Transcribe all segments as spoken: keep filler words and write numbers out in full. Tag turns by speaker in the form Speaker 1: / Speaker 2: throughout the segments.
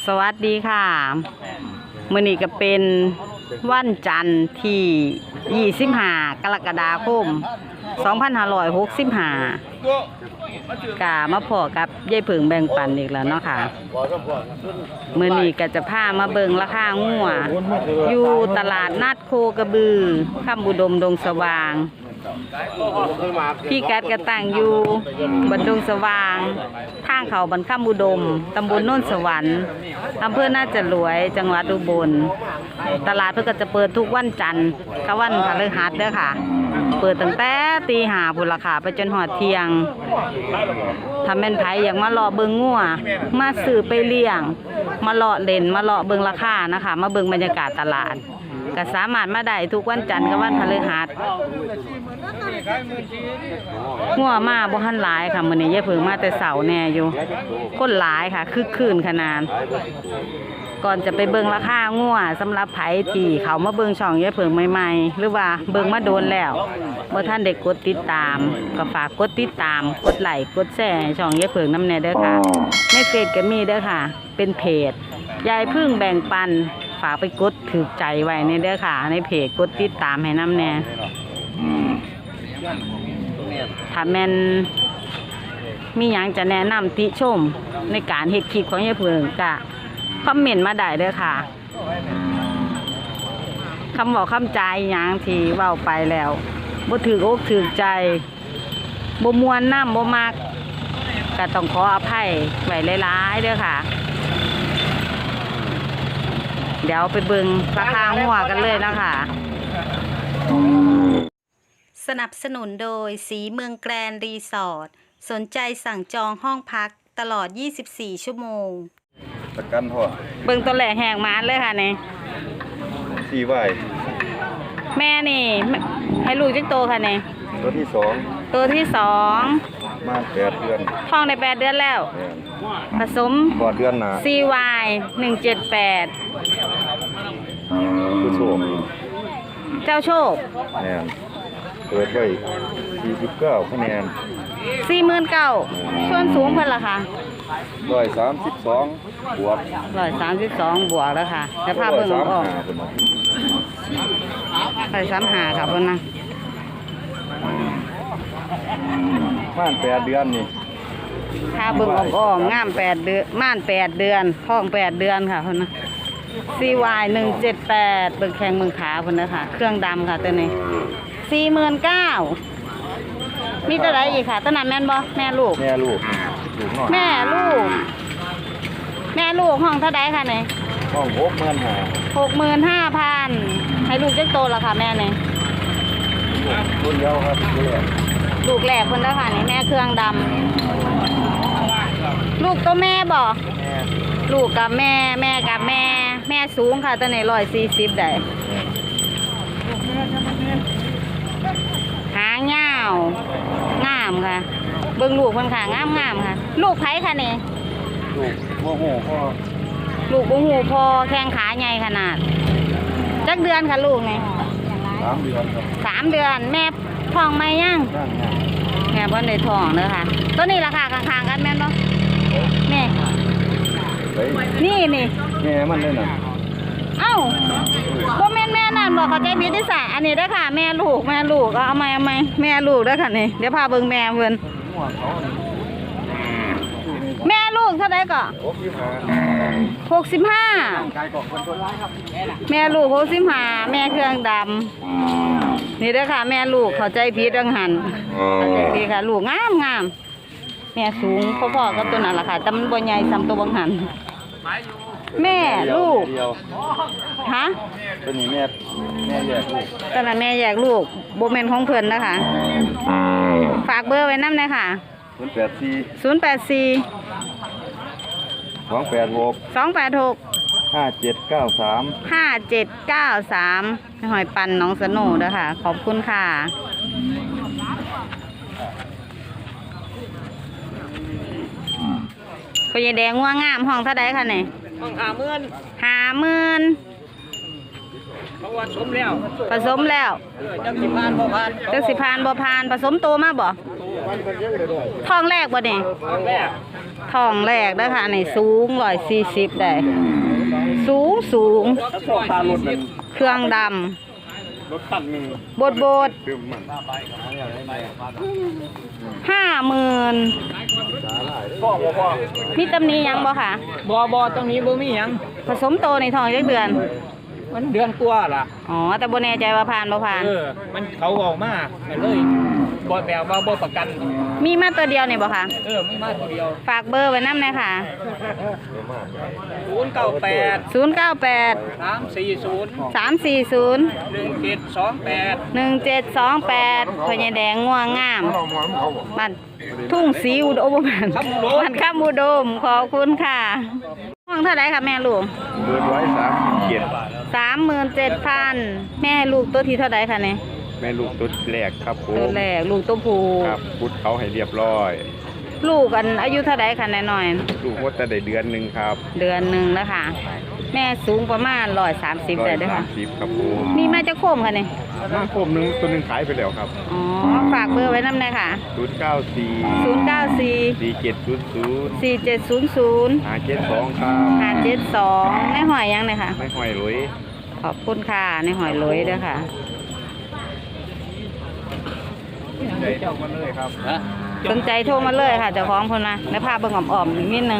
Speaker 1: สวัสดีค่ะมื้อนี้ก็เป็นวันจันทร์ที่ยี่สิบห้ากรกฎาคมสองพันห้าร้อยหกสิบห้ากะมาพอกับยายเผิงแบ่งปันอีกแล้วเนาะค่ะมื้อนี้ก็จะพามาเบิ่งราคางัวอยู่ตลาดนัดโคกระบือคำบุดมดงสว่างพี่กัดกระตั้งอยู่บนดงสว่างทางเขาบรรคำบุดมตำบลโน่นสวรรค์อำเภอน่าจะรวยจังหวัดอุบลตลาดเพื่อก็จะเปิดทุกวันจันทร์กับวันพฤหัสเด้อค่ะเปิดตั้งแต่ตีห้าพุ่นราคาไปจนหอดเที่ยงถ้าแม่นไผอยากมาเลาะเบิ่งงัวมาซื้อไปเลี้ยงมาเลาะเล่นมาเลาะเบิ่งราคานะคะมาเบิ่งบรรยากาศตลาดก็สามารถมาได้ทุกวันจันทร์กับวันพฤหัสงัวมาบ่ทันหลายค่ะมื้อนี้ยายเผิงมาแต่เช้าแน่อยู่คนหลายค่ะคึกคืนขนาดก่อนจะไปเบิ่งราคางัวสำหรับไผที่เขามาเบิ่งช่องยายเผิงใหม่ๆหรือว่าเบิ่งมาโดนแล้วบ่ทันได้กดติดตามก็ฝากกดติดตามกดไลค์กดแชร์ให้ช่องยายเผิงนำแน่เด้อค่ะในเฟซก็มีเด้อค่ะเป็นเพจยายพึ่งแบ่งปันฝากไปกดถือใจไว้ในเด้อค่ะในเพจกดติดตามให้นำแน่ถ้าแม่นมีหยังจะแนะนำติชมในการเฮ็ดคลิปของยายเผิงก็คอมเมนต์มาได้เด้อค่ะคำบอกคำใจหยังที่เว้าไปแล้วบ่ถืออกถือใจบ่ม่วนน้ำบ่มักก็ต้องขออภัยไว้หลายๆเด้อค่ะเดี๋ยวไปเบิ่งราคางัวกันเลยนะคะสนับสนุนโดยสีเมืองแกรนด์รีสอร์ทสนใจสั่งจองห้องพักตลอดยี่สิบสี่ชั่วโมง
Speaker 2: ประกันพ่อ
Speaker 1: เบิ่งตัวแหลกแหกมานเลยค่ะนี่
Speaker 2: สี่ไหว
Speaker 1: แม่นี่ให้ลูกจักโตค่ะนี่
Speaker 2: ตัวที่สอง
Speaker 1: ตัวที่สอง
Speaker 2: มาแปดเดือน
Speaker 1: ท้องในแปดเดือนแล้วผสม
Speaker 2: กอดเดือนหนา
Speaker 1: ซี วาย หนึ่งเจ็ดแปด
Speaker 2: ผู้โชค
Speaker 1: เจ้าโชค
Speaker 2: แน่เปิดไว้สี่สิบเก้าคะแนน
Speaker 1: สี่หมื่นเก้าส่วนสูงเพิ่นล่ะค่ะ
Speaker 2: ร้อยสามสิบสองบวก
Speaker 1: ร้อยสามสิบสองบวกแล้วค่ะจะพาเบิ่งออกร้อยสามห้าค่ะเพิ่นนะ
Speaker 2: ม่านแปดเดือนนี่
Speaker 1: พาเบิ่งออกออกงามแปดเดือนม่านแปดเดือนท้องแปดเดือนค่ะเพิ่นนะ ซี วาย หนึ่งเจ็ดแปดเบิ่งแข้งเบิ่งขาเพิ่นนะค่ะเครื่องดำค่ะตัวนี้สี่หมื่นเก้ามีตัวใดอีกค่ะตัวนั้นแม่นบ่แม่ลูก
Speaker 2: แม่ลูก
Speaker 1: แม่ลูกแม่ลูกห้องเท่าใดค่ะนี่
Speaker 2: ห้องหกหมื่นห้า
Speaker 1: หกหมื่นห้าพันให้ลูกจักโตแล้วค่ะแม่นี่
Speaker 2: รุ่นเดียวครับ
Speaker 1: ลูกแหลกเพิ่นแล้วค่ะนี่แม่เครื่องดำลูกตัวแม่บ่ลูกกับแม่แม่กับแม่แม่สูงค่ะตัวนี้ร้อยสี่สิบได้หางยาวงามค่ะเบิ่งลูกเพิ่นค่ะงามงามค่ะลูกไผค่ะนี่
Speaker 2: ลูกโมโหพ่อ
Speaker 1: ลูกโมโหพอแข้งขาใหญ่ขนาดจักเดือนค่ะลูกนี่
Speaker 2: สามเดือนครับ
Speaker 1: สามเดือนแม่ท้องไหมยังแม่บ่ได้ท้องเด้อค่ะตัวนี้ราคาข้างๆกันแม่นบ่แม่นี่นี่
Speaker 2: แม่มันเลยนะ
Speaker 1: เอ้าบ่แม่นแม่นั่นบอกเขาใจผิดที่สาอันนี้เด้อค่ะแม่ลูกแม่ลูกเอาใหม่เอาใหม่แม่ลูกเด้อค่ะนี่เดี๋ยวพาเบิ่งแม่เพิ่นแม่ลูกเท่าใดก็หกสิบห้าแม่ลูกหกสิบห้าแม่เครื่องดำนี่เด้อค่ะแม่ลูกเข้าใจผิดดังหันเข้าใจผิดค่ะลูกงามงามแม่สูงพอๆกับตัวนั้นล่ะค่ะแต่มันบ่ใหญ่ซ้ำตัวบางหันแม่ลูกฮะ
Speaker 2: ตัวนี้แม่แม่แยกลูก
Speaker 1: ตอนนั้นแม่แยกลูกโบเมนของเพื่อนนะคะฝากเบอร์ไว้น้ำเลยค่ะ
Speaker 2: ศูนย์แปดสี่
Speaker 1: ศูนย์แปดสี่
Speaker 2: สองแปดหก
Speaker 1: สองแปดหก
Speaker 2: ห้าเจ็ดเก้าสาม
Speaker 1: ห้าเจ็ดเก้าสามหอยปันน้องสโนุเด้อค่ะขอบคุณค่ะก็ยายแดงง่วงงามห้องเท่าใดค่ะเนี่ย
Speaker 3: ห้องหาเมื่อน
Speaker 1: หาหมื่น
Speaker 3: เพราะว่าสมแล้ว
Speaker 1: ผสมแล้ว
Speaker 3: เออจังสิพานบ่พาน
Speaker 1: จักสิพานบ่พานผสมโตมาบ่ท้องแรกบ่นี่
Speaker 3: แม่
Speaker 1: ท้องแรกเด้อค่ะนี่สูงร้อยสี่สิบได้สูงสูง
Speaker 3: ร้อยสี่สิบ
Speaker 1: เครื่องดำ
Speaker 2: รถตันหนึ่ง
Speaker 1: บดบด
Speaker 2: เติมมัน
Speaker 1: ห้าหมื่น
Speaker 3: พ่อบ่พ่อ
Speaker 1: มีตำหนี้ยังบ่ค่ะ
Speaker 3: บ่บ่ตรงนี้บ่มีหยัง
Speaker 1: ผสมโตในท้องจักเดือน
Speaker 3: มันเดือนกว่าล่ะ
Speaker 1: อ๋อแต่บ่แน่ใจว่าผ่านบ่ผ่าน
Speaker 3: เออมันเขาออกมาก็เลยบ่แบบว่าบ่ประกัน
Speaker 1: มีมาตัวเดียวนี่บ่ค่ะ
Speaker 3: เออมีมาทีเดียว
Speaker 1: ฝากเบอร์ไว้นำหน่อยค่ะ
Speaker 3: ศูนย์เก้าแปด
Speaker 1: ศูนย์ เก้า แปด
Speaker 3: สามสี่ศูนย์
Speaker 1: สาม สี่ ศูนย์
Speaker 3: หนึ่งเจ็ดสองแปด
Speaker 1: หนึ่ง เจ็ด สอง แปดพญาแดงง่วงงามบ้านทุ่งสีอุดมบ้านบ้านข้ามอุดมขอบคุณค่ะห้องเท่าไหร่ค่ะแม่ลูก
Speaker 2: เบิดไว้สามสิบเจ็ด
Speaker 1: สามหมื่นเจ็ดพันแม่ลูกตัวที่เท่าไหร่ค่ะเนี่ย
Speaker 2: แม่ลูกตุ๊ดแรกครับผ
Speaker 1: ตัว
Speaker 2: ม
Speaker 1: แรกลูกตัวผู้
Speaker 2: ครับพุดเขาให้เรียบร้อย
Speaker 1: ลูกอันอายุเท่าไหร่ค่ะแน่หน่อย
Speaker 2: ลูกว่าแต่ได้เดือนหนึ่งครับ
Speaker 1: เดือนหนึ่งแล้วค่ะ แม่สูงประมาณร้อยสามสิบ
Speaker 2: ร้อ
Speaker 1: ได้
Speaker 2: ย
Speaker 1: ด้วย
Speaker 2: สา
Speaker 1: ค่ะ
Speaker 2: มสิบครับผม
Speaker 1: มีมาจะโคมค่ะเนี่ย
Speaker 2: น้ำโคมหนึงตัวหนึงขายไปแล้วครับ
Speaker 1: อ๋อฝากเบอร์ไว้น้ำเลยค่ะ
Speaker 2: ศูนย์เก้าสี่
Speaker 1: ศูนย์เก้าสี่
Speaker 2: สี่เจ็ดศูนย์ศูนย์
Speaker 1: สี่เจ็ดศูนย์ศูนย์
Speaker 2: ห้าเจ็ดสองครับ
Speaker 1: ห้าเจ็ดสองในหอยยังเลยค่ะ
Speaker 2: ไม่ห้อยหลุย
Speaker 1: ขอบคุณค่ะในหอยลอยด้วยค่ะ
Speaker 2: ใจเท่ากันเลยครับ
Speaker 3: ฮะ
Speaker 1: สนใจโทรมาเลยค่ะเจ้าของคนมาในภาพเบิ่งอ่อมๆนิดนึง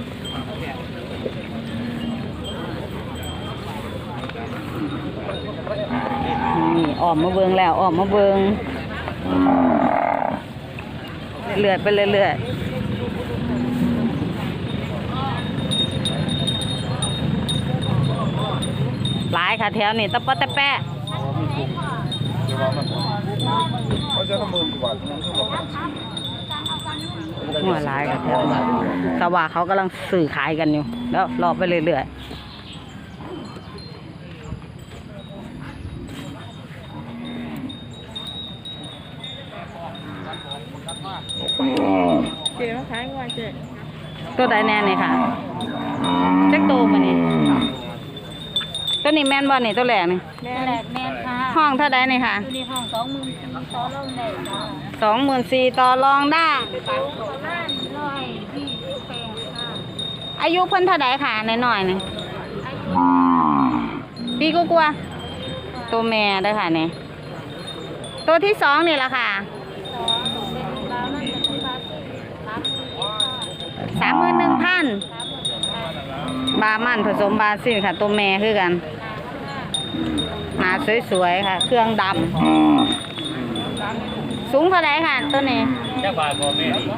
Speaker 1: นี่อ่อมมาเบิ่งแล้วอ่อมมาเบิ่งเลื่อยๆไปเรื่อยๆหลายค่ะแถวนี้ตะปะตะแปะ
Speaker 2: เขาจะทำมือกว่า
Speaker 1: หัวหลายค่ะแถวนี้แต่ว่าเขากำลังสื่อขายกันอยู่ แล้วรอไปเรื่อยๆ
Speaker 4: เจ๊มาขายงัวเจ๊
Speaker 1: ตัวใดแน่นี่ค่ะจักโตมานี่ตัวนี้แม่นบ่นี่ตัวแรกนี่
Speaker 4: แม่แหลกแม่ค่ะ
Speaker 1: ห้องเท่าใดนี่ค่ะ
Speaker 4: อยู่ในห้องสองหมื่นสี่ต่อรองได้ค่ะ
Speaker 1: สองหมื่นสี่ต่อรองได้
Speaker 4: บ้านร้อยยี่สิบแปดค่ะ
Speaker 1: อายุเพิ่นเท่าใดค่ะน้อยๆนี่
Speaker 4: อายุ
Speaker 1: ปีกว่าๆตัวแม่เด้อค่ะนี่ตัวที่สองนี่ล่ะค่ะ
Speaker 4: สองเป็นบ้านมันจะเป็นบ้านสามหมื่นค่ะ
Speaker 1: สามหมื่นหนึ่งพัน
Speaker 4: สามหมื่นค่ะ
Speaker 1: บามันผสมบาซิลค่ะ ตัวแม่คือกันหน้าสวยๆค่ะ เครื่องดำสูงเท่าไหร่ค่ะ ตัวนี้
Speaker 3: จักบาทบ่แม่นี่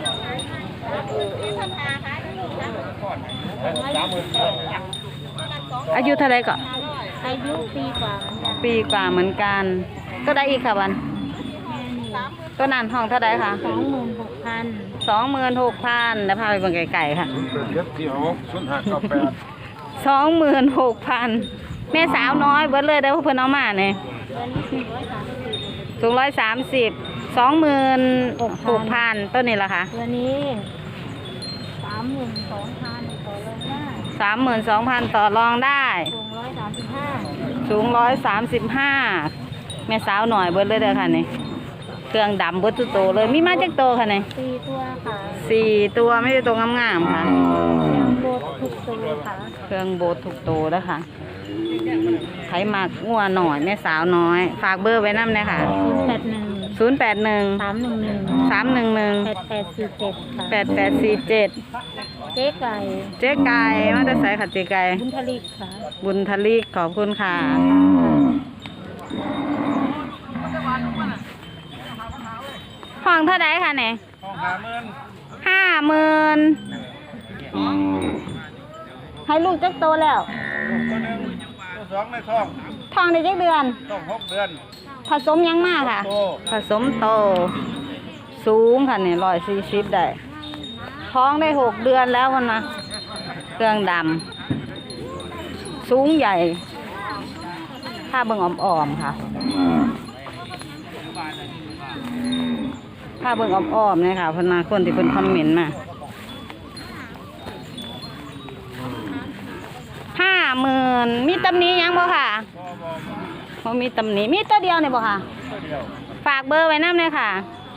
Speaker 3: สามหมื่น
Speaker 1: อายุเท่าไหร่ก็
Speaker 4: อายุปีกว่าเหมือนกัน
Speaker 1: ปีกว่าเหมือนกัน ตัวใดอีกค่ะวัน
Speaker 4: แม่นี่
Speaker 1: ตัวนั้นห้องเท่าไหร่ค่ะ
Speaker 4: สองหมื่นหกพัน
Speaker 1: สองหมื่นหกพันแล้วพาไปเบิ่งไก่ๆค่ะ
Speaker 2: เจ็ดที่หกศูนย์ห้าเก้าแปด
Speaker 1: สองหมื่นหกพันแม่สาวน้อยเบิดเลยได้อเพิ่นเอามาเนี่ย
Speaker 4: ตัวนี้สี่ร้อยสามสิบ
Speaker 1: สูงร้อยสามสิบสองหมื่นหกพันต้นนี้ละค่ะ
Speaker 4: ตัวนี้สามหมื่นสองพันต่อรองได้
Speaker 1: สามหมื่นสองพันต่อรองได้
Speaker 4: สูงร้อยสามสิบห้า
Speaker 1: สูงร้อยสามสิบห้าแม่สาวหน่อยเบิดเลยเด้อค่ะนี่เครื่องดำเบิดทุกโตวเลยมีมาจากโตวค่ะนี่
Speaker 4: สี่ตัวค่ะ
Speaker 1: สี่ตัวไม่ได้ตัวงามๆค่ะ
Speaker 4: ยังโบดทุกตัวค่ะ
Speaker 1: เครื่องโบสถ์ทุกโตวแล้วค่ะไขมักงัวหน่อยแม่สาวน้อย ฝากเบอร์ไว้น้ำเลยค่ะ
Speaker 4: ศูนย์แปดหนึ่ง
Speaker 1: ศูนย์แปดหนึ่ง
Speaker 4: สามหนึ่งหนึ่ง
Speaker 1: สามหนึ่งหนึ่ง
Speaker 4: แปดแปดสี่เจ็ดค่ะ
Speaker 1: แปดแปดสี่เจ็ด
Speaker 4: เจ๊ไก่
Speaker 1: เจ๊ไก่มาแต่ใส่ขัดเจ๊ไก่
Speaker 4: บุญทลิกค่ะ
Speaker 1: บุญทลีขอบคุณค่ะห้องเท่าไดค่ะเนี่ย
Speaker 3: ห้าหมื่น
Speaker 1: ห้าหมื่นให้ลูกจักโตแล้ว
Speaker 3: ตัวหนึ่งตัวสองในท้อง
Speaker 1: ท้องได้จักเดือน
Speaker 3: ต้องหกเดือน
Speaker 1: ผสมยังมากค่ะ
Speaker 3: โต
Speaker 1: ผสมโต สูงค่ะเนี่ยร้อยสี่สิบได้ ท้องได้หกเดือนแล้วคนนะเครื่องดำสูงใหญ่ถ้าเบิ่งอ่อมๆค่ะถ้าเบิ่งอ่อมๆเนี่ยค่ะเพนนาคนที่เป็นคอมเมนต์มาห้าหมื่นมีตำหนี้ยังบ่ค่ะ
Speaker 3: บ่บ่
Speaker 1: มีตำหนิมีตัวเดียวนี่บ่ค่ะฝากเบอร์ไว้นำเลยค่ะ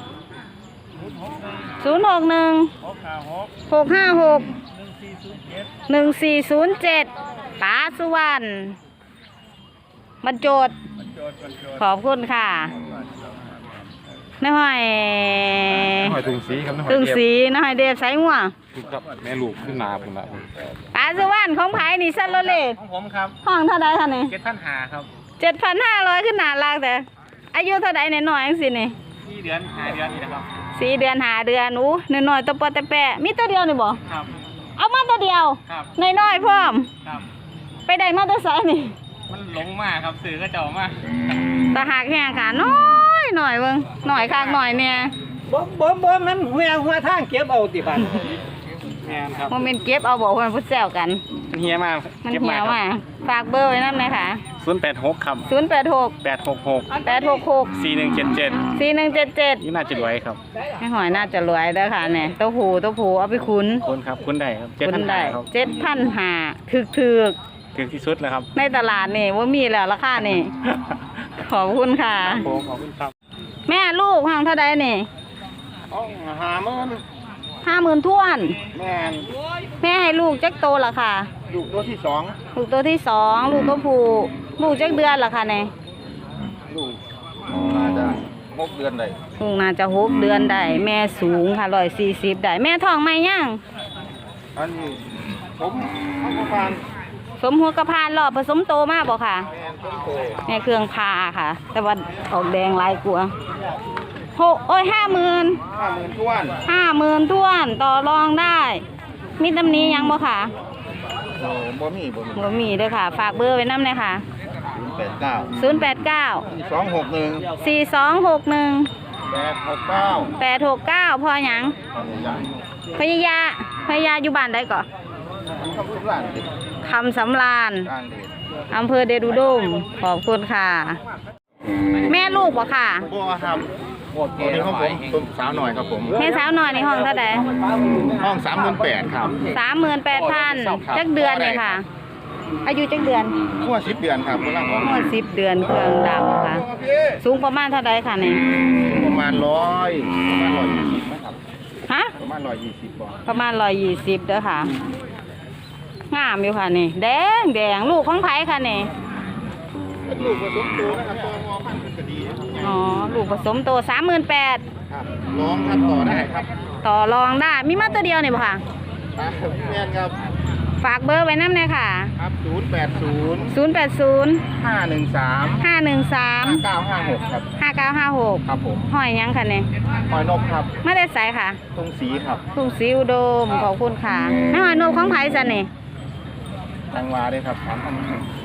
Speaker 1: ศูนย์หกหนึ่งหกห้าหกหนึ่งสี่ศูนย์เจ็ดป๋าสุวรรณบรรจดขอบคุณค่ะน้อย
Speaker 2: หอยถุงสีครับน้ำหอย
Speaker 1: ตึง
Speaker 2: เดียบ
Speaker 1: สีน้อยเดฟใส่หัว
Speaker 2: ครับแม่ลูกขึ้นนาผมละ
Speaker 1: ป๋าสุวรรณของไผ่นี่ซันโรเลต
Speaker 3: ของผมครับ
Speaker 1: ห้องเท่าใดคะนี่
Speaker 3: เจ็ดพันหาครับ
Speaker 1: เจ็ดพันห้าร้อยขึ้นหนาลากแต่อายุเท่าใดในน้อยจังสินี่
Speaker 3: สี่เดือนหาเดือนนี่นะครับ
Speaker 1: สี่เดือนหาเดือนอู้น้อยๆตัวปอแต่แปะมีตัวเดียวนี่บ่
Speaker 3: ครับ
Speaker 1: เอามาตัวเดียว
Speaker 3: ครับ
Speaker 1: น้อยๆพร้อม
Speaker 3: ครับ
Speaker 1: ไปได้มาตัวไสนี่
Speaker 3: มันหลงมากครับสื่อก็เจ้ามา
Speaker 1: ตาหักแห้งค่ะน้อยหน่อยเบิ่งหน่อยคักหน่อยเนี่ย
Speaker 3: บ่บ่บ่มันหัวหัวทางเก็บเอาติบันแม่นครับ
Speaker 1: โมเมนต์เก็บเอาบอกว่ามันพูดแซวกัน
Speaker 3: มันเฮียมาก
Speaker 1: มันเหี่ยวมาฝากเบอร์ไว้นำเลยค่ะ
Speaker 3: ศูนย์แปดหกครับ
Speaker 1: ศูนย์แปดหก
Speaker 3: แปดหกหก
Speaker 1: แปดหกหก
Speaker 3: สี่หนึ่งเจ็ดเจ็ด
Speaker 1: สี่หนึ่งเจ็ดเจ็ด
Speaker 3: นี่น่าจะรวยครับ
Speaker 1: ให้หอยน่าจะรวยเด้อค่ะเนี่ยเต้าหู้เต้าหู้เอาไปคุ้น
Speaker 3: คุณครับคุณได้ครับเจ็ด
Speaker 1: คุ
Speaker 3: พัน
Speaker 1: ณ
Speaker 3: หา
Speaker 1: ได้
Speaker 3: ครับ
Speaker 1: เจ็ดพันหาถึกถึก
Speaker 3: ถึงที่สุดแล้วครับ
Speaker 1: ๆในตลาดนี่ว่ามีแล้วราคานี่ ขอบคุณค่ะ
Speaker 3: ผมขอบคุณครับ
Speaker 1: แม่ลูกห้องเท่าใดนี่
Speaker 2: ต้องหามัน
Speaker 1: ห้าหมื่นท้วน
Speaker 2: แม่น
Speaker 1: แม่ให้ลูกจักโตละค่ะ
Speaker 2: ลูกตัวที่สอง
Speaker 1: ลูกตัวที่สองลูกตัวผู้ลูกจักเดือนละค่ะเนี่ย
Speaker 2: ลูกน่าจะหกเดือนได้
Speaker 1: ลูกน่าจะหกเดือนได้แม่สูงค่ะร้อยสี่สิบได้แม่ท้องไหมยัง
Speaker 2: อันนี้ผมเอาประมาณ
Speaker 1: สมหัวกระพานรอบผสมโตมากบ่ค่ะ
Speaker 2: แม่นต้นโต
Speaker 1: แม่เครื่องพาค่ะ แต่ว่าออกแดงลายกลัวหกโอ้ยห้าหมื่น
Speaker 2: ห้าหมื่นท้วน
Speaker 1: ห้าหมื่นท้วนต่อรองได้ มีตำหนี้ยังบ่ค่ะ
Speaker 2: โอ้บ่มีบ่มี
Speaker 1: บ่มีเด้อค่ะ ฝากเบอร์ไว้นำเลยค่ะ
Speaker 2: ศูนย์แปดเก้า
Speaker 1: ศูนย์แปดเก้า
Speaker 2: สองหกหนึ่ง
Speaker 1: สี่สองหกหนึ่ง
Speaker 2: แปดหกเก้า
Speaker 1: แปดหกเก้าพอหยัง พยายาพยายาอยู่บ้านได้ก่อน
Speaker 2: มันคำสุราษฎร์ติด
Speaker 1: คำสำราญ
Speaker 2: กลางเดช
Speaker 1: อำเภอเดชอุดมขอบคุณค่ะ แม่ลูกบ่ค่ะ
Speaker 2: บัวครับตัวนี้ของผมตัวสาวหน่อยครับผม
Speaker 1: แม่สาวหน่อยในห้องเท่าใด
Speaker 2: ห้องสามหมื่นแปดครับ
Speaker 1: สามหมื่นแปดพันจักเดือนเลยค่ะ อายุจักเดือน
Speaker 2: ทั่วสิบเดือนครับกำลังออก
Speaker 1: หมดสิบเดือนเครื่องดำค่ะ สูงประมาณเท่าใดค่ะนี่
Speaker 2: ประมาณร้อยประมาณร้อยยี่สิบนะครับ
Speaker 1: ฮะ
Speaker 2: ประมาณร้อยยี่สิบบ่
Speaker 1: ประมาณร้อยยี่สิบเด้อค่ะ งามอยู่ค่ะนี่ แดงแดงลูกของไผ่ค่ะนี่
Speaker 2: เป็นลูกผสมตัวนะครับตัวงอพันธุ์เป็นกระดีครับ
Speaker 1: อ๋อ ลูกผสมโตสามหมื่นแปด
Speaker 2: ครับร้องครับต่อได้ครับ
Speaker 1: ต่อรองได้ มีมาตัวเดียวนี่บ่ค่ะ
Speaker 2: แม่นครับ
Speaker 1: ฝากเบอร์ไว้น้ำเลยค่ะ
Speaker 2: ครับศูนย์แปดศูนย์
Speaker 1: ศูนย์แปดศูนย์
Speaker 2: ห้าหนึ่งสาม
Speaker 1: ห้าหนึ่งสาม
Speaker 2: ห้าเก้าห้าหกครับ
Speaker 1: ห้าเก้าห้าหก
Speaker 2: ครับผม
Speaker 1: หอยยังค่ะเนี่ย
Speaker 2: หอยนกครับ
Speaker 1: ไม่ได้ใส่ค่ะ
Speaker 2: ตรงสีครับ
Speaker 1: ทุ่งสีอุดมขอบคุณค่ะแม่หอยนกของไผ่สันนี่
Speaker 2: ตังวาด้วยครับสามพัน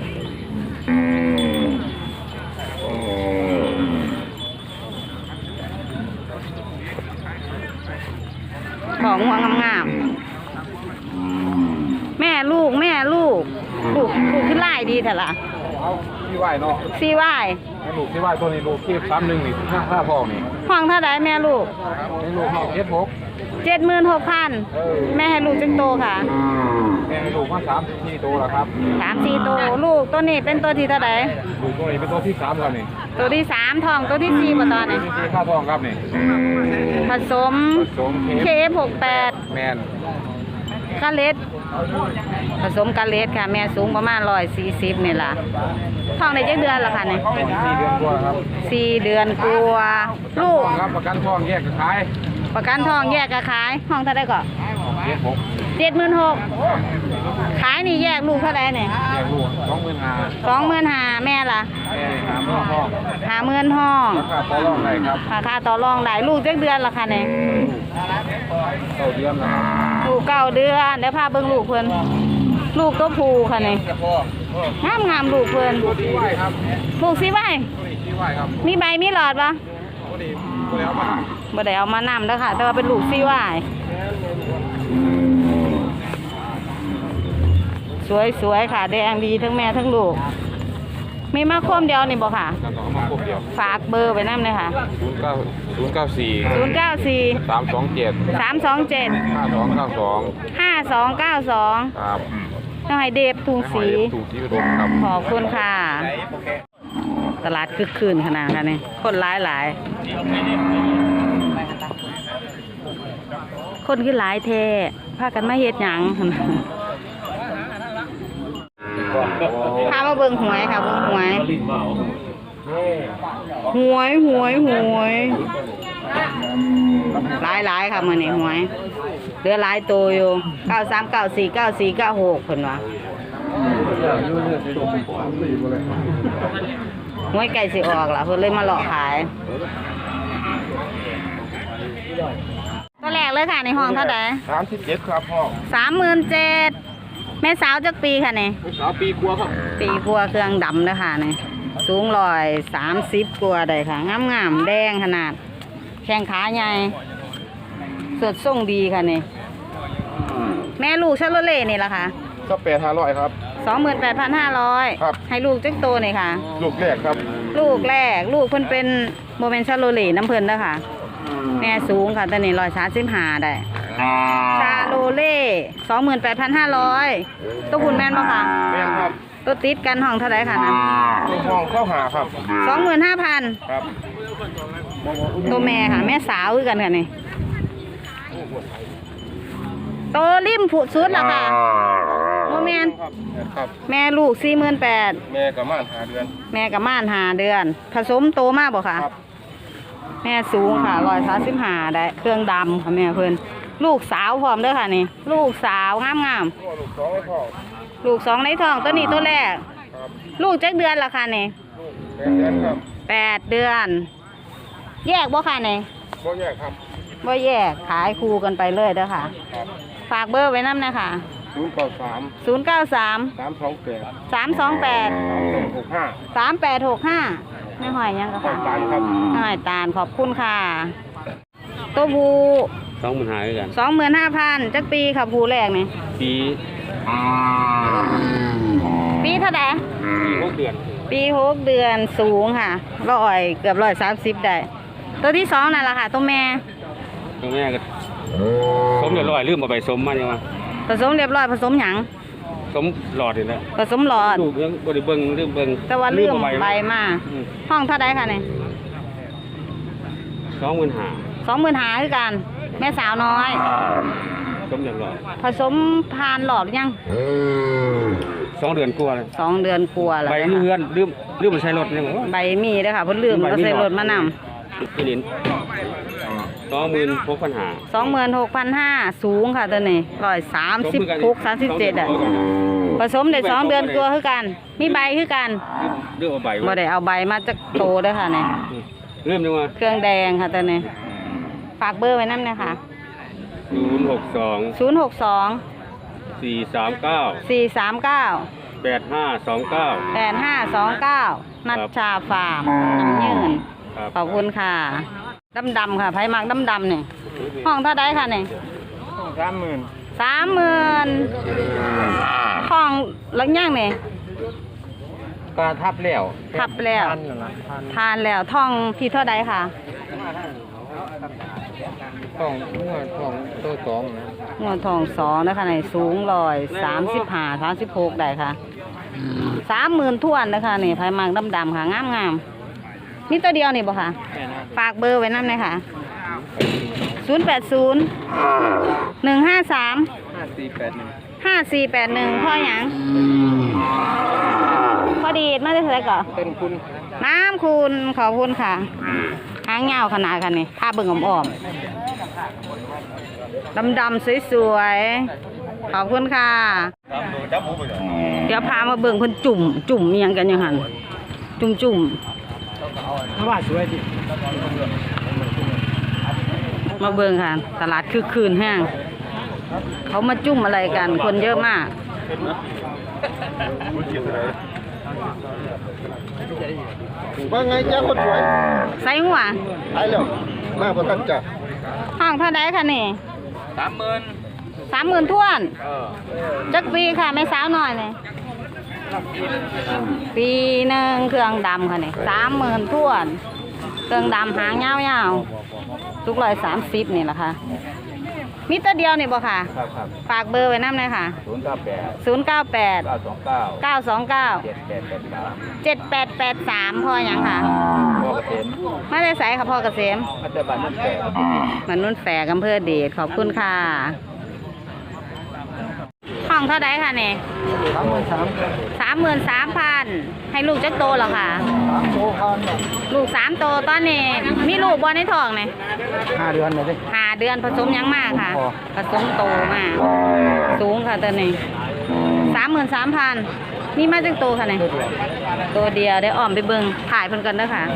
Speaker 1: ของหัวงามๆแม่ลูกแม่ลูก ลูกลูกขึ้นไล่ดีเถอะล่ะ
Speaker 2: เอาที่ไหวเนาะ
Speaker 1: ซีวาย
Speaker 2: ลูกที่ไหวตัวนี้ลูกที่สามหนึ่งนี่ห้าห้าพ่อนี่
Speaker 1: ห้องเท่าไดแม่ลูก
Speaker 2: นี่ลูกห้องเอสหก
Speaker 1: เจ็ดหมื่นหกพันแม่ให้ลูกจังโตค่ะ
Speaker 2: แม่ลูกมาสามสิบสี่ตัวแล้วครับ
Speaker 1: สามสี่โตลูกตัวนี้เป็นตัวที่เท่าได
Speaker 2: ลูกตัวนี้เป็นตัวที่สามแล้วนี่
Speaker 1: ตัวที่สามทองตัวที่สี่ป่ะตอนนี้
Speaker 2: ที่ข้าทองครับนี่
Speaker 1: ผสม
Speaker 2: ผสม
Speaker 1: เค
Speaker 2: เค
Speaker 1: เอฟหกแปด
Speaker 2: แมน
Speaker 1: กาเลสผสมกาเลสค่ะ แม่สูงประมาณร้อยสี่สิบนี่ล่ะท้องในเจ็ดเดือนละค่ะเนี่ย
Speaker 2: เป็นสี่เดือนกว่าครับ
Speaker 1: สี่เดือนกลัวาลูก
Speaker 2: ครับประกันทองแยกกับขาย
Speaker 1: ประกันทองแยกกะขาย ห้องเท่าไดก่อน
Speaker 2: เอสหก
Speaker 1: เจ็ดหมื่นหกขายนี่แยกลูกเท่าไดเนี่ย
Speaker 2: แยกลูกสองหมื่นห้า
Speaker 1: สองหมื่นห้าแม่ล่ะ
Speaker 2: แม่สามหมื่นทอง
Speaker 1: หาหมื่นห้อง
Speaker 2: ราคาต่อรองได้ครับ
Speaker 1: ราคาต่อรองได้ลูกเจ็ดเดือนละค่ะเนี่ย
Speaker 2: เก้าเดือนแล้วครับ
Speaker 1: ลูกเก้าเดือนเดี๋ยวพาเบิ่งลูกเพิ่นลูกตัวผู้ค่ะเนี่ยงามงามๆลูกเพิ่น
Speaker 2: ตัวที่ไหวครับ
Speaker 1: ลูกสิไว้
Speaker 2: ตัวนี้ที่ไหวครับ
Speaker 1: มีใบมีหลอดปะ
Speaker 2: ตัวนี้ตัวแล้วมา
Speaker 1: บ่ได้เอามานำเด้อค่ะ แต่ว่าเป็นลูกซีวายสวยๆค่ะ แดงดีทั้งแม่ทั้งลูก มีมาคมเดียวนี่บ่ค่ะ
Speaker 2: แล้วก็เอามาครบเดียว
Speaker 1: ฝากเบอร์ไว้นำเลยค่ะ
Speaker 2: ศูนย์เก้าศูนย์เก้าสี่
Speaker 1: ศูนย์เก้าสี่
Speaker 2: สามสองเจ็ด
Speaker 1: สามสองเจ็ด
Speaker 2: ห้าสองเก้าสอง
Speaker 1: ห้าสองเก้าสอง
Speaker 2: ครับ
Speaker 1: น้องไฮเดฟทุงสี
Speaker 2: ถูกที่อุดมครับ
Speaker 1: ขอบคุณค่ะตลาดคึกคืนขนาดค่ะนี่คนหลายหลายคนคือหลายแท้พากันมาเฮ็ดหยัง พามาเบิ่งหวยค่ะเบิ่งหวยหวยหวยหวยหลายหลายค่ะมื้อนี้หวยเหลือหลายตัวอยู่เก้าสามเก้าสี่เก้าสี่เก้าหกเพิ่นว่าหวยไก่สิออกล่ะเพิ่นเลยมาหลอกขายตัวแรกเลยค่ะในห้องเท่าใด
Speaker 2: สามสิบเจ็ดครับพ่อ
Speaker 1: สามหมื่นเจ็ดแม่สาวจักปีค่ะนี่
Speaker 2: สาวปีกลัวครับ
Speaker 1: ปีกลัวเครื่องดำเลยค่ะนี่สูงร้อยสามสิบกว่าได้ค่ะงามงามๆแดงขนาดแข้งขาใหญ่สดส่งดีค่ะนี่แม่ลูกชาโลเล่นี่ล่ะค่ะ
Speaker 2: ก็แปดห้าร้อยครับ
Speaker 1: สองหมื่นแปดพันห้าร้อย
Speaker 2: ครับ
Speaker 1: ให้ลูกจักโตนี่ค่ะ
Speaker 2: ลูกแรกครับ
Speaker 1: ลูกแรกลูกเพิ่นเป็นโมเมนชาโลเล่น้ำเพิ่นเด้อค่ะ แม่สูงค่ะตอนนี้ร้อยสามสิบห้าได้ชาโลเล่สองหมื่นแปดพันห้าร้อยตัวคุณแม่นบ่ค่ะ
Speaker 2: แม่นครับ
Speaker 1: ตัวติดกันห้องเท่าไหร่ค่ะนะ
Speaker 2: ลูกห้องเข้าหาครับ
Speaker 1: สองหมื่นห้าพัน
Speaker 2: ครับ
Speaker 1: ตัวแม่ค่ะ แม่สาวคือกันค่ะนี่ตัวริมผุดสุดละค่ะโมแมน
Speaker 2: ครับ
Speaker 1: แม่ลูกสี่หมื่นแปด
Speaker 2: แม่กับม่านหาเดือน
Speaker 1: แม่กับม่านหาเดือน ผสมโตมากบ่ค่ะ
Speaker 2: ครับ
Speaker 1: แม่สูงค่ะร้อยสามสิบห้าได้เครื่องดำค่ะแม่เพิ่นลูกสาวพร้อมเด้อค่ะนี่ลูกสาวงามงาม
Speaker 2: พ่อลูกสองให้พ่อ
Speaker 1: ๆลูกสองในท้องตัวนี้ตัวแรก
Speaker 2: ครับ
Speaker 1: ลูกจักเดือนละค่ะนี่
Speaker 2: ลูกแปดเดือนครับ
Speaker 1: แปดเดือน แยกบ่ค่ะนี่
Speaker 2: บ่แยกครับ
Speaker 1: บ่แยกขายคู่กันไปเลยเด้อค่ะ
Speaker 2: ครับ
Speaker 1: ฝากเบอร์ไว้นำนะคะ
Speaker 2: ศูนย์เก้าสาม
Speaker 1: ศูนย์เก้าสาม
Speaker 2: สามสองแปด
Speaker 1: สามสองแปด
Speaker 2: สามหกห้า
Speaker 1: สามแปดหกห้าไม่หอยยังก็
Speaker 2: ต่อ
Speaker 1: ค่ะ
Speaker 2: ตายครับ
Speaker 1: ไม่หอยตาลขอบคุณค่ะตัวผู
Speaker 5: สองหมื่นหาด้วยกัน
Speaker 1: สองหมื่นห้าพันจักปีค่ะผูแรกนี่
Speaker 5: ปี
Speaker 1: ปีเท่าไหร่
Speaker 5: ปีหกเดือน
Speaker 1: ปีหกเดือนสูงค่ะร้อยเกือบร้อยสามสิบได้ ตัวที่สองนั่นแหละค่ะตัวแม่
Speaker 5: ตรงนี้ก็สมเรียบร้อยลืมเอาไปสมมาเนี่ยมา
Speaker 1: ผสมเรียบร้อยผสมหยัง
Speaker 5: สมหลอดนี่แหละ
Speaker 1: ผสมหลอด
Speaker 5: ลูกยังบริเบิงลืมเบิง
Speaker 1: แต่ว่าเลื่อม
Speaker 5: เอา
Speaker 1: ใบ
Speaker 5: ไว้
Speaker 1: มา ห้องเท่าไดค่ะเนี่ย
Speaker 5: สองหมื่นหา
Speaker 1: สองหมื่นหาคือกัน แม่สาวน้อย
Speaker 5: สมเรียบร้อย
Speaker 1: ผสมพานหลอดหรือยัง
Speaker 5: สองเดือนกลัวาเลย
Speaker 1: สองเดือนกลัวาแล้ว
Speaker 5: ใบ
Speaker 1: นะคะ
Speaker 5: เลื่อนลืมลืมมาใช้รถเนี่ยว่า
Speaker 1: ใบมีเด้อค่ะเพิ่นลืมเอาใส่รถมาน
Speaker 5: พี่ลินสองหมื่นหกพันหา
Speaker 1: ำสองหมื่นหกพันห้าสูงค่ะตัวนี้ร้อยสามสิบหกสามสิบเจ็ดอ่ะผสมได้สองเดือนกลัวาคือกัน มีใบคือกัน
Speaker 5: ลืมเอาใบ
Speaker 1: บ่
Speaker 5: ไว้
Speaker 1: ได้เอาใบมาจากโตเด้อค่ะเนี่ย
Speaker 5: ลืมยังว่า
Speaker 1: เครื่องแดงค่ะตัวนี้ฝากเบอร์ไว้นำนะคะ
Speaker 5: ศูนย์หกสอง
Speaker 1: ศูนย์หกสอง
Speaker 5: สี่สามเก้า
Speaker 1: สี่สามเก้า
Speaker 5: แปดห้าสองเก้า
Speaker 1: แปดห้าสองเก้านัชชาฟาร์มน้ำยืน
Speaker 5: ครับ
Speaker 1: ขอบคุณค่ะดำดำๆค่ะไผ่มักดำดำๆเนี่ยห้องเท่าไดค่ะเนี่ย
Speaker 2: สามหมื่น
Speaker 1: สามหมื่นห้องหลังย่างเนี่ย
Speaker 2: ก็ทับแล้ว
Speaker 1: ทับแล้วทานแล้วท่องที่เท่าไดค่ะ
Speaker 2: ต้องเมื่อต้องตัวสองนะ
Speaker 1: งวดทองสองนะคะในสูงร้อยสามสิบห้าสามสิบหกได้ค่ะสามหมื่นทวนนะคะนี่ไผ่มักดำดำๆค่ะงามงามๆนี่ตัวเดียวนี่บ่ค่ะ ฝากเบอร์ไว้นั่นเลยค่ะศูนย์แปดศูนย์หนึ่งห้าสาม
Speaker 2: ห้าสี่แปดหนึ่ง
Speaker 1: ห้าสี่แปดหนึ่งพ่อหยังพอดีดมาได้เท่าไหร่ก่อน
Speaker 2: เป็นคุณ
Speaker 1: น้ำคุณขอบคุณค่ะหางยาวขนาดกันนี่ผ้าเบิ่งอ่อมดำดำๆสวยๆขอบคุณค่ะ เดี๋ยวพามาเบิ่งเพิ่นจุ่ม จุ่มอิหยังกันอยังหันจุ่มจุ่ม
Speaker 3: ว่าสวยดิ
Speaker 1: มาเบิ่งค่ะ ตลาดคึกคืนแห้งเขามาจุ่มอะไรกัน คนเยอะมาก
Speaker 2: ว่าไงจ้าคนสวย
Speaker 1: ใส่หัว
Speaker 2: ไปแล้วมาประกันจ้ะ
Speaker 1: ห้องเท่าไดค่ะนี่
Speaker 5: สามหมื่น
Speaker 1: สามหมื่นทวนจักปีค่ะไม่สาวหน่อยเลยปีหนึ่งเครื่องดำค่ะนี่สามหมื่นทวน เครื่องดำหางยาวๆทุกร้อยสามสิบนี่แหละค่ะมีตัวเดียวนี่บ่ค่ะ
Speaker 2: ครับครับ
Speaker 1: ฝากเบอร์ไว้นำเลยค่ะ
Speaker 2: ศูนย์เก้าแปด
Speaker 1: ศูนย์เก้าแปด
Speaker 2: เก้าสองเก้า
Speaker 1: เก้าสองเก้า
Speaker 2: เจ็ดแปดแปดสาม
Speaker 1: เจ็ดแปดแปดสามพ่อหยังค่ะ
Speaker 2: พ่อเกษม
Speaker 1: มาได้ไสค่ะพ่อเกษม
Speaker 2: มัตตบันนั่นแปด
Speaker 1: มันนุ่นแฝกอำเภอเดชขอบคุณค่ะห้องเท่าไดค่ะเนี่ย
Speaker 3: สามหมื่นสาม
Speaker 1: สามหมื่นสามพันให้ลูกจักโตเหรอค่ะ
Speaker 3: สามโตพัน
Speaker 1: ลูกสามโตตอนนี้มีลูกบอลในท้องเนี่ย
Speaker 3: ห้าเดือนเลยดิ
Speaker 1: หาเดือนผสมหยังมากค่ะ ผสมโตมาก สูงค่ะตัวนี้สามหมื่นสามพันนี่มาจักโตค่ะเนี่ยตัวเดียวได้อ้อมไปเบิ่งถ่ายเพิ่นกันเด้อค่ะ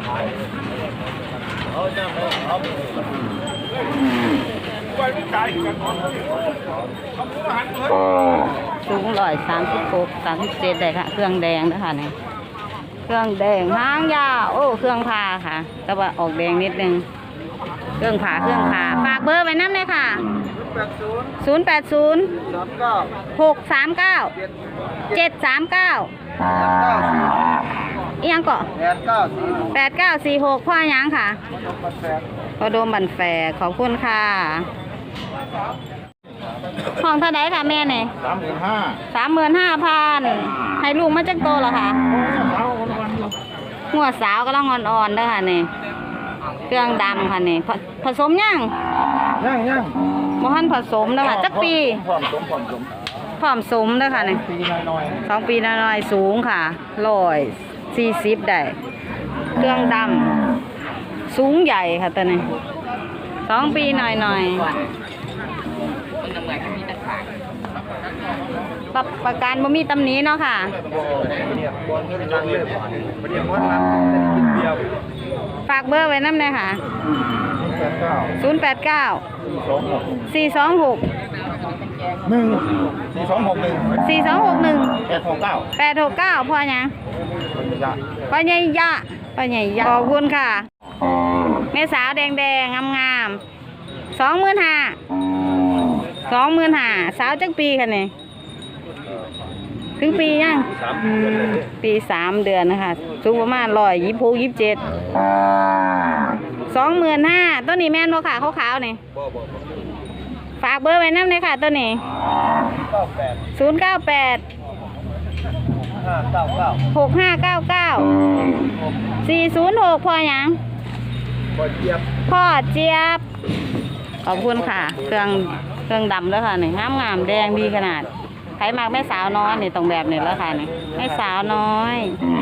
Speaker 1: สูงร้อยสามสิบหกสามสิบเจ็ดได้ค่ะ เครื่องแดงนะคะเนี่ยเครื่องแดงหางยาวโอ้เครื่องพาค่ะ แต่ว่าออกแดงนิดนึงเครื่องผ่าเครื่องผ่าฝากเบอร์ไว้น้ำเลยค่ะ
Speaker 3: แปดศูนย์
Speaker 1: ศูนย์แปดศูนย์
Speaker 3: สามเก้า
Speaker 1: หกสามเก้าเจ็ดสามเก้า
Speaker 3: แปดเก้าสี่
Speaker 1: อีหยังเกาะ
Speaker 3: แปดเก้าสี่
Speaker 1: แปดเก้าสี่หกพ่อหยังค่ะ
Speaker 3: แปด
Speaker 1: พอโดมบันแฝกขอบคุณค่ะห้องเท่าไดค่ะแม่เนี่ย
Speaker 3: สามหมื่นห้า
Speaker 1: สามหมื่นห้าพันให้ลูกมาจักโตเหรอคะ
Speaker 3: สาวคนวัน
Speaker 1: หัวสาวก็ต้องอ่อนๆเด้อค่ะนี่เครื่องดำค่ะนี่ผผสมยัง
Speaker 3: ย่างย่าง
Speaker 1: บ่ทันผสมเด้อค่ะจักปี
Speaker 3: พร้อมสมพร้อมสม
Speaker 1: พร้อมสมเด้อค่ะนี่
Speaker 3: ปีน้อย
Speaker 1: สองปีน้อยๆสูงค่ะร้อยสี่สิบได้เครื่องดำสูงใหญ่ค่ะตัวนี้สองปีหน่อยๆปรับประกันบ่มีตำหนิเนาะค่ะ
Speaker 3: ๆเนี่ยบอลก็ดังเลยประเดี๋ยววันนั้นจะได้กินเบียร์
Speaker 1: ฝากเบอร์ไว้น้ำเลยค่ะ
Speaker 3: แปดเก้า
Speaker 1: ศูนย์ แปด เก้า
Speaker 3: สี่สองหก
Speaker 1: สี่ สอง หก
Speaker 3: หนึ่งสี่สองหกหนึ่ง
Speaker 1: สี่ สอง หก หนึ่ง
Speaker 3: แปดหกเก้า
Speaker 1: แปด หก เก้าพ่อหยังพ่อใหญ่ยะพ่อใหญ่ยะขอบคุณค่ะแม่สาวแดงๆงามๆสองหมื่นห้าสองหมื่นห้าสาวจักปีค่ะเนี่ยถึงปียังปีสามเดือนนะคะสูงประมาณร้อยยี่สิบหกยี่สิบเจ็ดสองหมื่นห้าต้นนี้แม่นบ่ค่ะขาวๆนี่ฝากเบอร์ไว้น้ำเลยค่ะต้นนี้ศูนย์เก้าแปด
Speaker 3: ห้าเก้าเก้า
Speaker 1: หกห้าเก้าเก้าสี่ศูนย์หกพ่อหยัง
Speaker 3: บอลเจี๊ยบ
Speaker 1: พ่อเจี๊ยบขอบคุณค่ะ เครื่องเครื่องดำแล้วค่ะนี่งามงามๆแดงดีขนาดใครมากแม่สาวน้อยนี่ตรงแบบนี้แล้วค่ะนี่แม่สาวน้อย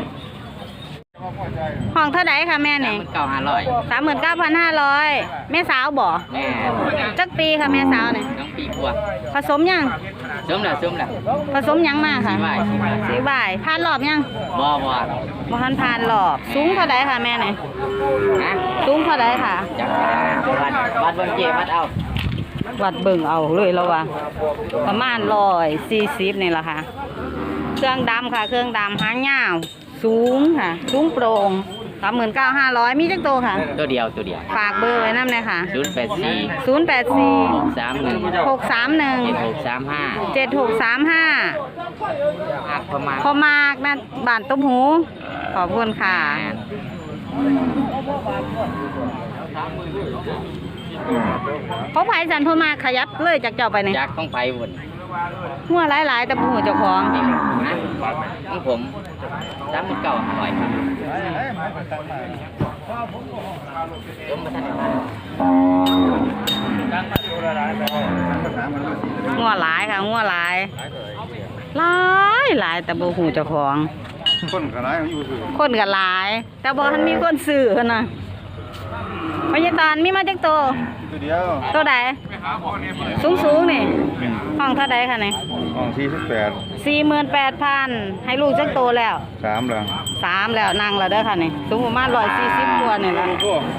Speaker 1: ห้องเท่าไหร่ค่ะแม่นี่
Speaker 5: เก้าห้าร้อย
Speaker 1: สามหมื่นเก้าพันห้าร้อยแม่สาวบ่
Speaker 5: แม่
Speaker 1: จักปีค่ะแม่สาวนี่
Speaker 5: น้องปีกว่า
Speaker 1: ผสมยัง
Speaker 5: สมแล้วสมแล้ว
Speaker 1: ผสมยังมาค่ะ
Speaker 5: สี่ใบสี่ใบ
Speaker 1: สีบ่ายผ่านรอบยัง
Speaker 5: บ่บ่
Speaker 1: บ่ทันผ่านรอบสูงเท่าไหร่ค่ะแม่นี่
Speaker 5: นะ
Speaker 1: สูงเท่าไหร่ค่ะ
Speaker 5: จักวัดวัดเบิ่งเจวัดเอา
Speaker 1: วัดเบิ่งเอาเลยแล้วว่าประมาณร้อยสี่สิบนี่แหละค่ะ เครื่องดำค่ะ เครื่องดำหางยาวสูงค่ะ สูงโปร่งสามหมื่นเก้าห้าร้อยมีจักโตค่ะ
Speaker 5: ตัวเดียวตัวเดียว
Speaker 1: ฝากเบอร์ไว้น้ำเลยค่ะ
Speaker 5: ศูนย์แปดสี่
Speaker 1: ศูนย์แปดสี่
Speaker 5: หกสามหนึ่ง
Speaker 1: หกสามหนึ่ง
Speaker 5: เจ็ดหกสามห้า
Speaker 1: เจ็ดหกสามห้า
Speaker 5: หักประมาณ
Speaker 1: พอมากนะบานต้มหู ขอบคุณค่ะเขาไผ่สันพอมากขยับเลยจากเจ้าไปเนี่ย
Speaker 5: จากต้องไปวน
Speaker 1: หัวหลายๆแต่ผู้เจ้าของ
Speaker 5: นี่นะของผมสามหมื่นเก้าห้าร้อยครับยมมาทันมา
Speaker 1: งัวหลายค่ะงัวหลายหลายหลายแต่บ่หูเจ้าของ
Speaker 2: คนขนาดอยู่คือ
Speaker 1: คนก็หลาย แต่บ่ทันมีคนซื้อหั่นน่ะพญาตานมีมาจักโตว
Speaker 2: ตัวเดียว
Speaker 1: ตัวใดสูงๆนี่ห้องเท่าใดค่ะนี่
Speaker 2: ห้องสี่สิบแปด
Speaker 1: สี่หมื่นแปดพันให้ลูกจักโตวแล้ว
Speaker 2: สามแล้ว
Speaker 1: สามแล้วนั่งแล้วเด้อค่ะนี่สูงประมาณร้อยสี่สิบตัวนี่แหละ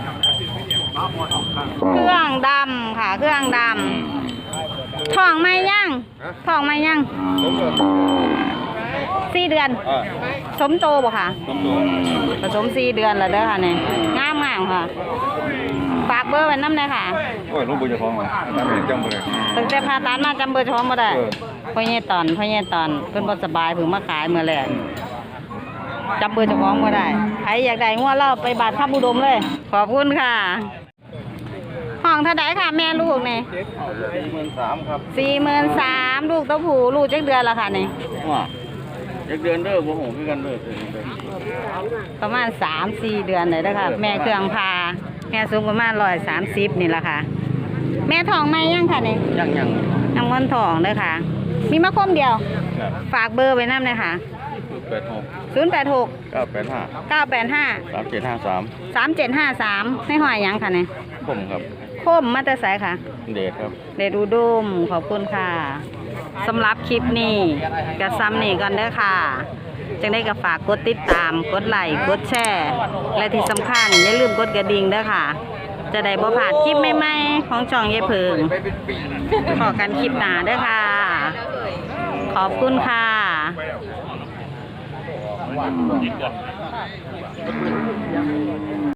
Speaker 1: เครื่องดำค่ะ เครื่องดำท้องไม่ย่างท้องไม่ย่าง
Speaker 2: สมตัว
Speaker 1: สี่เดือน
Speaker 2: อ่า
Speaker 1: สมโตบ่ค่ะ
Speaker 2: สมตัว
Speaker 1: ผสมสี่เดือนแล้วเด้อค่ะนี่งามงามๆค่ะ ฝากเบอร์ไว้น้ำเลยค่ะ
Speaker 2: โอ้ยลูกบุญจะท้องเหรอจำเป็นจำบ่ได้
Speaker 1: ตั้งแต่พาตัดมาจำเบอร์โทรบ่ได้
Speaker 2: เออ
Speaker 1: พ่อเย่ตอนพ่อเย่ตอนเพิ่นบ่สบายเพิ่งมาขายเมื่อแรกจำเบอร์เจ้าของบ่ได้ใครอยากได้งัวเราไปบาททับอุดมเลย ขอบคุณค่ะห้องเท่าไดค่ะแม่ลูกนี่
Speaker 2: สี่หมื่นสามครับ
Speaker 1: สี่หมื่นสามลูกตัวผู้ลูกจักเดือนละค่ะนี่
Speaker 2: ว่าเด็กเดือนเด้อบ่หูคือกันเด้อ
Speaker 1: ประมาณสามสี่เดือนเลยนะคะแม่เครื่องพาแม่สูงประมาณร้อยสามสิบนี่แหละค่ะ แม่ทองไหมยังค่ะนี่
Speaker 2: ยังยัง
Speaker 1: ยังวันทองเลยค่ะ มีมะคมเดียว
Speaker 2: ครับ
Speaker 1: ฝากเบอร์ไว้น้ำเลยค่ะ
Speaker 2: แปดหก
Speaker 1: ศูนย์แปดหก
Speaker 2: เก้าแปดห้า
Speaker 1: เก้าแปดห้า
Speaker 2: สามเจ็ดห้าสาม
Speaker 1: สามเจ็ดห้าสามให้หอยหยังค่ะเนี่ย
Speaker 2: ผมครับ
Speaker 1: โคมมาแต่ไสค่ะ
Speaker 2: เดชครับ
Speaker 1: เดดูดุมขอบคุณค่ะสำหรับคลิปนี้กระซ้ำนี่กันเด้อค่ะจังได้ก็ฝากกดติดตามกดไลค์กดแชร์และที่สำคัญอย่าลืมกดกระดิ่งเด้อค่ะ จะได้บ่พลาดคลิปใหม่ๆของช่องยายเพิงขอกันคลิปหน้าเด้อค่ะ ขอบคุณค่ะ